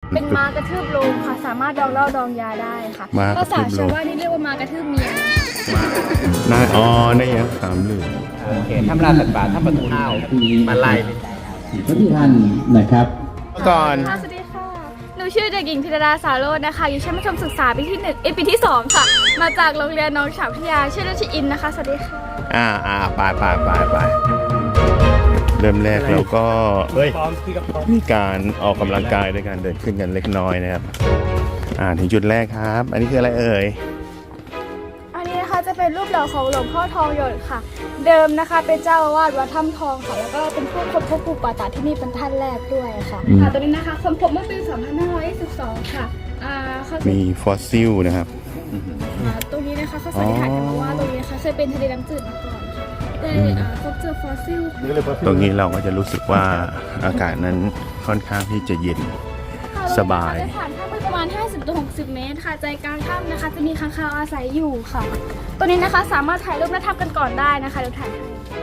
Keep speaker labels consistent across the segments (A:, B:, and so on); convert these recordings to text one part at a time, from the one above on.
A: เป็นม้ากระทืบโลงค่ะ สามารถดองเหล้าดองยาได้ค่ะภาษาชาวบ้านนี่เรียกว่าม้ากระทืบเมีย
B: ได้ยังสามเหลือ
C: โอเคทำลาสัตว์ป่าถ้าประตูข้าวมาไล่
D: ทุกท่านนะครับ
B: ก่อน
A: สวัสดีค่ะหนูชื่อเด็กหญิงพิรดาสาโรจน์นะคะอยู่ชั้นมัธยมศึกษาปีที่1ปีที่ 2ค่ะมาจากโรงเรียนน้องฉางพิทยาชื่อเล่นชื่ออินนะคะสวัสดีค่ะ
B: ไปเริ่มแรกเราก็มีการออกกำลังกายด้วยการเดินขึ้นกันเล็กน้อยนะครับถึงจุดแรกครับ อันนี้คืออะไรเอ่ย
A: อันนี้นะคะจะเป็นรูปหล่อของหลวงพ่อทองหยดค่ะเดิมนะคะเป็นเจ้าอาวาสวัดถ้ำทองค่ะแล้วก็เป็นผู้ค้นพบปูป่าตาที่นี่เป็นท่านแรกด้วยค่ะตัวนี้นะคะค้นพบเมื่อปี 2522 ค่ะ
B: มีฟอสซิลนะครับ
A: ตรงนี้นะคะเขาสันนิษฐานกันมาว่าตรงนี้นะคะเคยเป็นทะเลน้ำจืดมาก่อนค่ะได้พบเจอฟอสซิล
B: ตรงนี้เราก็จะรู้สึกว่าอากาศนั้นค่อนข้างที่จะเย็นสบาย
A: ผ่านถ้ำประมาณ 50-60 เมตรค่ะใจกลางถ้ำนะคะจะมีค้างคาวอาศัยอยู่ค่ะตัวนี้นะคะสามารถถ่ายรูปหน้าถ้ำกันก่อนได้นะคะเดี๋ยวถ่ายให้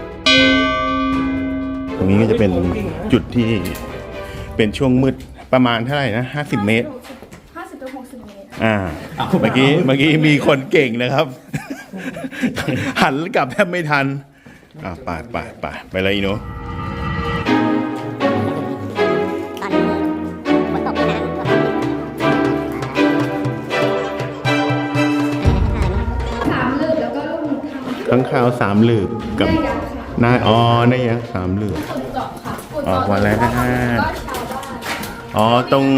B: ตรงนี้ก็จะเป็นจุดที่เป็นช่วงมืดประมาณเท่าไหร่นะ50 เมตร
A: 50-60 เมตร
B: เมื่อกี้มีคนเก่งนะครับ หันกลับแทบไม่ทันไปเลยอีโนข้างคาว3 หลืบกับได้ยัง3 หลืบออกมาแล้วตรง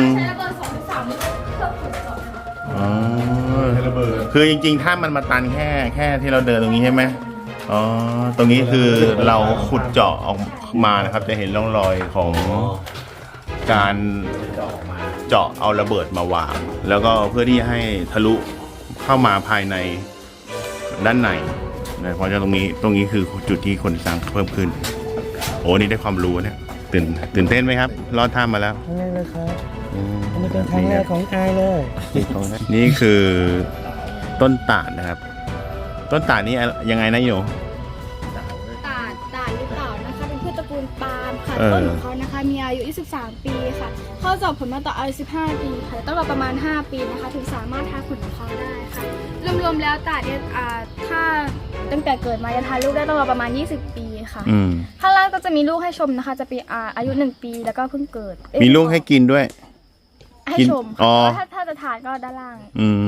B: คือจริงๆถ้ามันมาตันแค่ที่เราเดินตรงนี้ใช่ไหมตรงนี้คือเราขุดเจาะออกมานะครับจะเห็นร่องรอยของการเจาะเอาระเบิดมาวางแล้วก็เพื่อที่ให้ทะลุเข้ามาภายในด้านในนะเพราะฉะนั้นตรงนี้คือจุดที่คนสร้างเพิ่มขึ้นนี่ได้ความรู้เนี่ยตื่นเต้นไหมครับรอดถ้ำมาแล้ว
C: ครั้งแรกเลยครับอันนี้เป็นครั้งแรกของอายเลย
B: นี่คือต้นตาลนะครับต้นตาลนี่ยังไงนะโย
A: ตาลหรือเปล่านะคะเป็นพืชตระกูลปาล์มค่ะต้นของเขานะคะมีอายุ23 ปีค่ะเข้าดอกผลมาต่ออายุ15 ปีค่ะต้องรอประมาณ5 ปีนะคะถึงสามารถทาผลของเขาได้ค่ะรวมๆแล้วตาลเนี่ยถ้าตั้งแต่เกิดมาจะทานลูกได้ต้องรอประมาณ20 ปีค่ะข้างล่างก็จะมีลูกให้ชมนะคะจะเป็นอายุ1 ปีแล้วก็เพิ่งเกิด
B: มีลูกให้กินด้วย
A: ให้ชมถ้าจะทานก็ด้านล่าง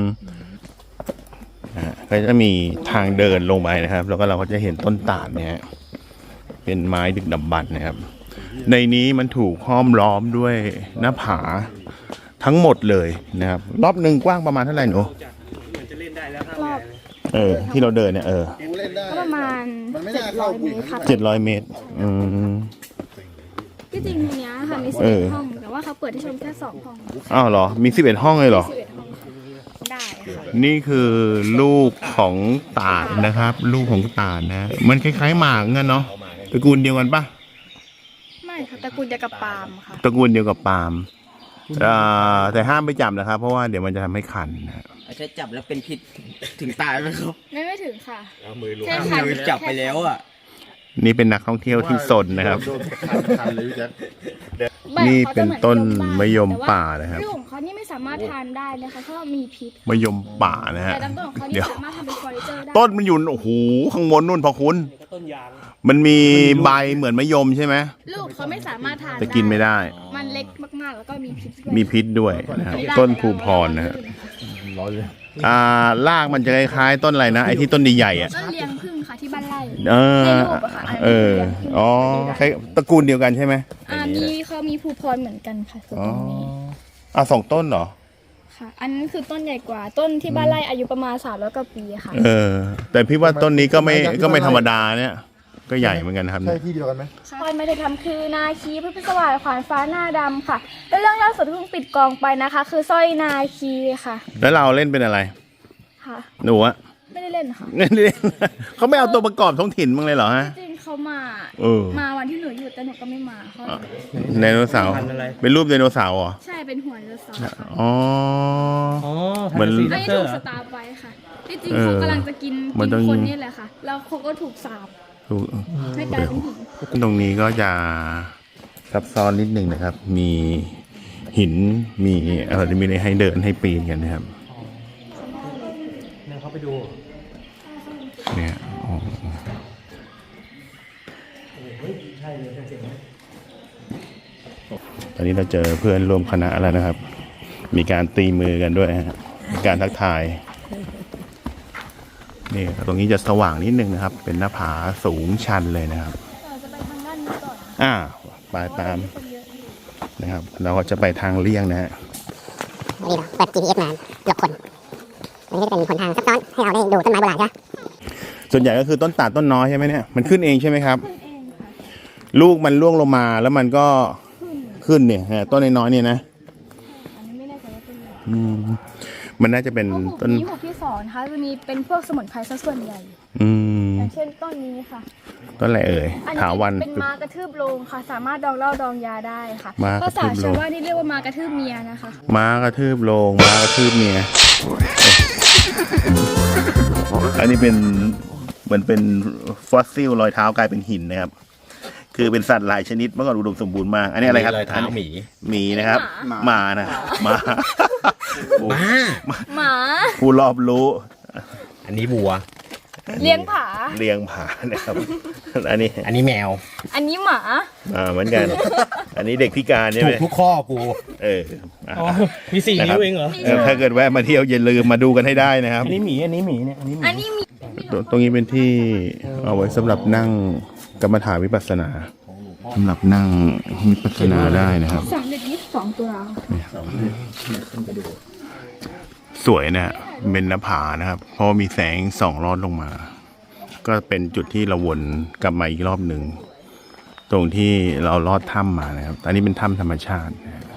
B: ก็จะมีทางเดินลงไปนะครับแล้วก็เราก็จะเห็นต้นตาลเนี่ยเป็นไม้ดึกดำบรรพ์นะครับในนี้มันถูกห้อมล้อมด้วยหน้าผาทั้งหมดเลยนะครับรอบหนึ่งกว้างประมาณเท่าไหร่หนู
A: รอบ
B: ที่เราเดินเนี่ย
A: ประมาณ700 เมตรค่ะ
B: 700 เมตร
A: ที่จริงตรงนี้ค่ะมี11 ห้องแต่ว่าเขาเปิดให้ชมแค่2 ห้อง
B: เหรอมี11 ห้องเลยเหรอ
A: ได้
B: นี่คือลูกของตาลนะครับลูกของตาลนะมันคล้ายๆหมากเงี้ยเนาะตระกูลเดียวกันปะ
A: ไม่ค่ะตระกูลเดียวกับปาล์มค่ะ
B: ตระกูลเดียวกับปาล์มแต่ห้ามไปจับนะครับเพราะว่าเดี๋ยวมันจะทำให้คัน
C: ใช้จับแล้วเป็นพิษถึงตายไหมครับ
A: ไม่ถึงค่ะ
C: แค่จับไปแล้ว
B: นี่เป็นนักท่องเที่ยวที่สนนะครับนี่เป็นต้นมะยมป่านะครับ
A: ลูกของเขานี่ไม่สามารถทานได้นะคะเพราะมีพิษ
B: มะยมป่านะฮะ
A: แต่ต้นของเขานี่สามารถทำเป็นเฟอร์นิเจอร์ได้
B: ต้นมันอยู่ข้างบนนู่นพอคุณมันมีใบเหมือนมะยมใช่ไหม
A: ลูกเขาไม่สามารถทาน
B: แต่กินไม่ได้
A: มันเล็กมากๆแล้วก็
B: มีพิษด้วยนะครับต้นภูพรนะฮะรากมันจะคล้ายๆต้นอะไรนะไอ้ที่ต้นใหญ่ๆ
A: ต้นเลี้ยงผึ้งค่ะที่บ้านไร่
B: ตระกูลเดียวกันใช่ไหม
A: นี่เขามีภูพรเหมือนกันค่ะ
B: 2 ต้นเหรอ
A: ค่ะอันนั้นคือต้นใหญ่กว่าต้นที่บ้านไร่อายุประมาณ300 กว่าปีค่ะ
B: แต่พี่ว่าต้นนี้ก็ไม่ธรรมดาเนี่ยก็ใหญ่เหมือนกันครับ
D: ใช่ที่เดียวกันไหม
A: พรไม่ได้ทำคือนาคีพระพิศวาสขวานฟ้าหน้าดำค่ะและเรื่องล่าสุดที่เพิ่งปิดกองไปนะคะคือสร้อยนาคีค่ะ
B: แล้วเราเล่นเป็นอะไร
A: ค่ะ
B: หนูอะ
A: ไม่ได้เล่นค่ะ
B: ไม่ได้เล่นเขาไม่เอาตัวประกอบท้องถิ่นมั้งเลยเหรอฮะ
A: จริงเขามาวันที่หนูอยู่แต่หนูก็ไม่มาเขา
B: ไดโนเสาร์เป็นรูปไดโนเสาร์เหรอ
A: ใช่เป็นหัวไดโนเสาร์
B: เหมือน
A: ไม่ถูกสตาร์ไปค่ะที่จริงเขากำลังจะกินคนนี่แหละค่ะแล้วเขาก็ถูกสาปให้กลายเป็นหิน
B: ตรงนี้ก็จะซับซ้อนนิดนึงนะครับมีหินมีมีอะไรให้เดินให้ปีนกันนะครับ
C: เนี่ยเขาไปดู
B: เนี่ยอ๋อ
C: ใช่เลยเสียง
B: ตอนนี้เราเจอเพื่อนร่วมคณะแล้วนะครับ มีการตีมือกันด้วยฮะมีการทักทายนี่ตรงนี้จะสว่างนิดนึงนะครับ เป็นหน้าผาสูงชันเลยนะครับ
A: เราจะไปทางด้านนี้ก่อน
B: ไปตามนะครับ เราก็จะไปทางเลี่ยงนะฮะ
E: นี่เราเปิด GPS มาเกือบคนอันนี้ก็จะเป็นหนทางซับซ้อนให้เราได้ดูต้นไม้โบราณใช่ไหม
B: ส่วนใหญ่ก็คือต้นตาลต้นน้อยใช่ไหมเนี่ยมันขึ้นเองใช่ไหมครับ
A: ขึ้นเองค่ะ
B: ลูกมันร่วงลงมาแล้วมันก็ขึ้นเนี่ยฮะต้นน้อยๆเนี่ยนะ
A: อันนี้ไม่แน่ใจว่าเป็นอะไร
B: อืมมันน่าจะเป็น
A: เพราะหุบ
B: ต้น
A: นี้หุบที่สองนะคะจะมีเป็นพวกสมุนไพรซะส่วนใหญ่
B: อืม
A: อย่างเช่นต้นนี้ค่ะ
B: ต้นอะไรเอ่ย
A: อันนี้
B: ถาวัน
A: เป็นม้ากระทืบโลงค่ะ สามารถดองเหล้าดองยาได้ค่ะ
B: ม้ากระทื
A: ภาษา
B: บโลง
A: ชาวบ้านนี่เรียกว่าม้ากระทืบเมียนะคะ
B: ม้ากระทืบโลงม้ากระทืบเมียอันนี้เป็นเหมือนเป็นฟอสซิลรอยเท้ากลายเป็นหินนะครับ คือเป็นสัตว์หลายชนิดเมื่อก่อนอุดมสมบูรณ์มากอันนี้อะไรครับ
F: รอยเท้าหมี
B: หมีนะครับหมานะหมา
A: หมา
B: ผู้รอบรู้
F: อันนี้วัว
A: เลี้ยงผา
B: เลี้ยงผานะครับ อันนี้
F: อันนี้แมว
A: อันนี้หมา
B: เหมือนกัน อันนี้เด็กพิการใช่
F: ถู
B: ไหม
F: กทุกข้อกู
B: เอออ่ะ
C: อ๋อมี4
B: นะค
C: นิ้
B: รับ
C: วเองเหรอ
B: ถ้าเกิดแวะมาเที่ยวอย่าลืมมาดูกันให้ได้นะครับ
C: อันนี้หมีเนี่ยอันนี้หมี
A: อันนี้มี
B: ตรงนี้เป็นที่เอาไว้สำหรับนั่งกรรมฐานวิปัสสนาสำหรับนั่งวิปัสสนาได้นะครับ
A: 322ตุลา
B: สวยนะฮะเป็นหน้าผานะครับ เพราะว่ามีแสงส่องลอดลงมา ก็เป็นจุดที่เราวนกลับมาอีกรอบหนึ่งตรงที่เราลอดถ้ำมานะครับอันนี้เป็นถ้ำธรรมชาตินะครับ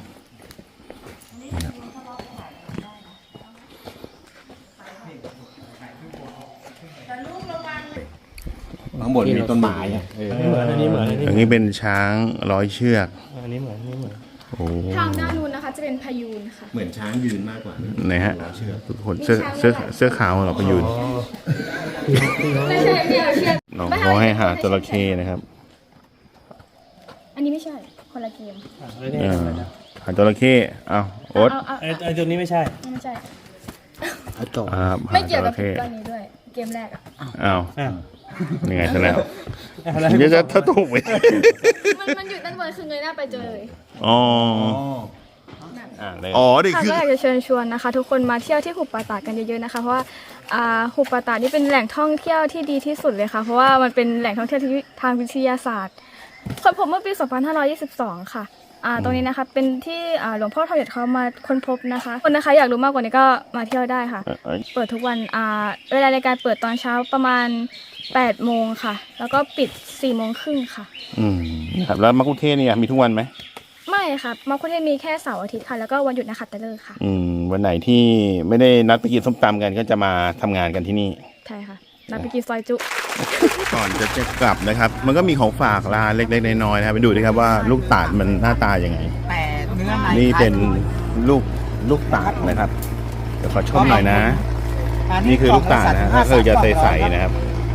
F: ข้างบนมีต้นไม้อะ
C: อันนี้เหมือนอันนี้
B: อันนี้เป็นช้างร้อยเชือก
C: อันนี้เหมือน
B: โอ้
A: ทางด้านนู้นนะคะจะเป็นพายูนค่ะ
F: เหมือนช้างยืนมากกว่า
B: ไหนฮะทุกคนเสื้อขาวเหราไปยืน
A: ไม่ใช่ไม่เอาเชือก
B: น้องเขาให้หาจระเข้นะครับ
A: อันนี้ไม่ใช่ คนละเกม
B: หาจระเข้เอาโอ๊ต
A: เอา
C: ไอ้ตัวนี้ไม่ใช่
A: ไม่ใช่
B: ครับ
A: ไม่เกี่ยวกับ
B: หาจระเข้
A: ตอนนี้ด้วย เกมแรกอ่ะ
B: เอา
C: อ้าว
B: ยังไงซะแล้ว
C: อะไร
B: เดี๋ยวจะถ้าถูกไหม
A: มันอยู่ด้านบนคือเงยหน้าไปเจอเลย
B: อ๋ออ๋อนี่
A: ค่ะ
B: คือ
A: ก็อยากจะเชิญชวนนะคะ ทุกคนมาเที่ยวที่หุบป่าตาดกันเยอะๆนะคะ เพราะว่าหุบป่าตาดนี่เป็นแหล่งท่องเที่ยวที่ดีที่สุดเลยค่ะ เพราะว่ามันเป็นแหล่งท่องเที่ยวทางวิทยาศาสตร์ค้นพบเมื่อปี 2522 ค่ะตรงนี้นะคะเป็นที่หลวงพ่อทองหยดเขามาค้นพบนะคะคนนะคะอยากรู้มากกว่านี้ก็มาเที่ยวได้ค่ะ เปิดทุกวันเวลาในการเปิดตอนเช้าประมาณ 8 โมงค่ะ แล้วก็ปิด 4 โมงครึ่งค่ะ
B: ครับแล้วมักคุเทศเนี่ยมีทุกวันไหม
A: ไม่ค่ะมัคคุเทศก์มีแค่เสาร์อาทิตย์ค่ะ แล้วก็วันหยุดนะคะแต่เลิกค่ะ
B: วันไหนที่ไม่ได้นัดไปกินส้มตำกันก็จะมาทำงานกันที่นี่
A: ใช่ค่ะนัดไปกินซอยจุ
B: ก่อนจะกลับนะครับ มันก็มีของฝากร้านเล็กๆน้อยๆนะครับไปดูดิครับว่าลูกตาดมันหน้าตายังไง
G: แต่เนื้อใน
B: นี่เป็นลูกตาดนะครับเดี๋ยวขอชมหน่อยนะ นี่คือลูกตาดนะถ้าเคยจะใสๆนะครับ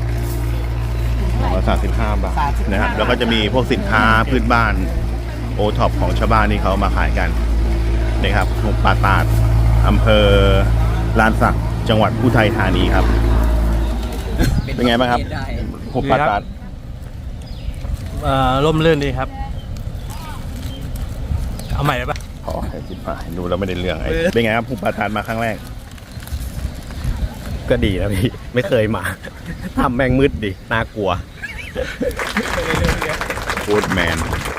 B: 35 บาทนะครับ แล้วก็จะมีพวกสินค้าพื้นบ้านโอท็อปของชาวบ้านที่เขามาขายกันนะครับหุบป่าตาดอำเภอลานสักจังหวัดอุทัยธานีครับ เป็นไงบ้างครับหุบป่าตาด
C: ร่มรื่นดีครับ เอาใหม่ได้ปะ
B: ขอให้จิบมาดูแล้วไม่ได้เรื่องไอ้เป็นไงครับหุบป่าตาดมาครั้งแรก
F: ก็ดีนะพี่ ไม่เคยมา ทำแมงมืดดิ น่ากลัว
B: โคตรแมน